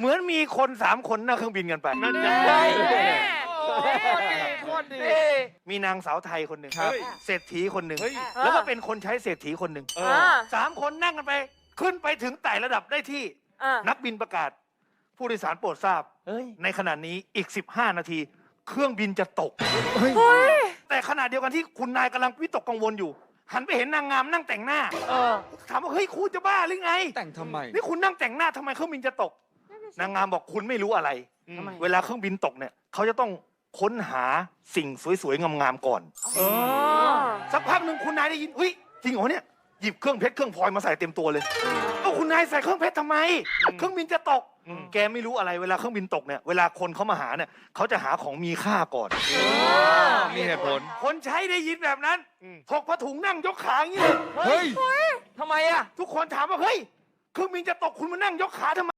เหมือนมีคน3 คนนั่งเครื่องบินกันไปนั่นไงโคตรดีมีนางสาวไทยคนหนึ่งครับเศรษฐีคนหนึ่งเฮ้ยแล้วก็เป็นคนใช้เศรษฐีคนหนึ่ง 3 คนนั่งกันไป ขึ้นไปถึงไต่ระดับได้ที่นักบินประกาศ ผู้โดยสารโปรดทราบ ในขณะนี้อีก 15 นาที เครื่องบินจะตก แต่ขณะเดียวกันที่คุณนายกำลังวิตกกังวลอยู่ หันไปเห็นนางงามนั่งแต่งหน้าถามว่าเฮ้ยคุณจะบ้าหรือไงแต่งทำไมนี่คุณนั่งแต่งหน้าทำไมเครื่องบินจะตก นางงามบอกคุณไม่รู้อะไร เวลาเครื่องบินตกเนี่ยเขาจะต้องค้นหาสิ่งสวยๆงามๆก่อนสักพักหนึ่งคุณนายได้ยินเฮ้ยจริงเหรอเนี่ยหยิบเครื่องเพชรเครื่องพลอยมาใส่เต็มตัวเลยเอ้าคุณนายใส่เครื่องเพชรทำไม เครื่องบินจะตก แกไม่รู้อะไรเวลาเครื่องบินตกเนี่ยเวลาคนเขามาหาเนี่ยเขาจะหาของมีค่าก่อนมีเหตุผลคนใช้ได้ยินแบบนั้นถกผ้าถุงนั่งยกขาอย่างนี้เลยเฮ้ยทำไมอ่ะทุกคนถามว่าเฮ้ยเครื่องบินจะตกคุณมานั่งยกขาทำไม